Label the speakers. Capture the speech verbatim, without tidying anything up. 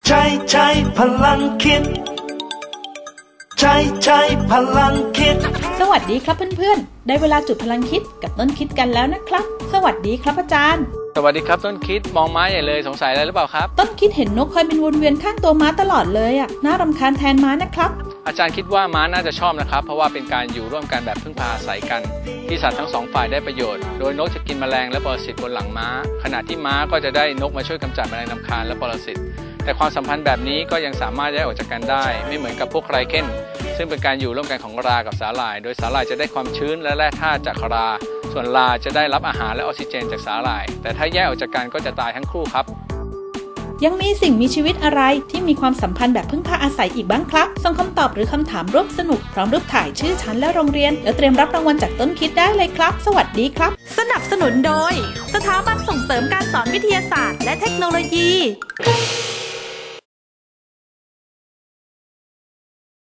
Speaker 1: ใช้ใช้พลังคิดใช้ใช้พลังคิด
Speaker 2: สวัสดีครับเพื่อนๆได้เวลาจุดพลังคิดกับต้นคิดกันแล้วนะครับสวัสดีครับอาจารย์
Speaker 3: สวัสดีครับต้นคิดมองม้าใหญ่เลยสงสัยอะไรหรือเปล่าครับ
Speaker 2: ต้นคิดเห็นนกคอยบินวนเวียนข้างตัวม้าตลอดเลยอ่ะน่ารำคาญแทนม้านะครับ
Speaker 3: อาจารย์คิดว่าม้าน่าจะชอบนะครับเพราะว่าเป็นการอยู่ร่วมกันแบบพึ่งพาอาศัยกันที่สัตว์ทั้งสองฝ่ายได้ประโยชน์โดยนกจะกินแมลงและปรสิตบนหลังม้าขณะที่ม้าก็จะได้นกมาช่วยกำจัดแมลงรำคาญและปรสิตแต่ความสัมพันธ์แบบนี้ก็ยังสามารถแยกออกจากกันได้ไม่เหมือนกับพวกไรเคนซึ่งเป็นการอยู่ร่วมกันของรากับสาหร่ายโดยสาหร่ายจะได้ความชื้นและแร่ธาตุจากราส่วนราจะได้รับอาหารและออกซิเจนจากสาหร่ายแต่ถ้าแยกออกจากกันก็จะตายทั้งคู่ครับ
Speaker 2: ยังมีสิ่งมีชีวิตอะไรที่มีความสัมพันธ์แบบพึ่งพาอาศัยอีกบ้างครับส่งคำตอบหรือคำถามร่วมสนุกพร้อมรูปถ่ายชื่อชั้นและโรงเรียนแล้วเตรียมรับรางวัลจากต้นคิดได้เลยครับสวัสดีครับ
Speaker 4: สนับสนุนโดยสถาบันส่งเสริมการสอนวิทยาศาสตร์และเทคโนโลยี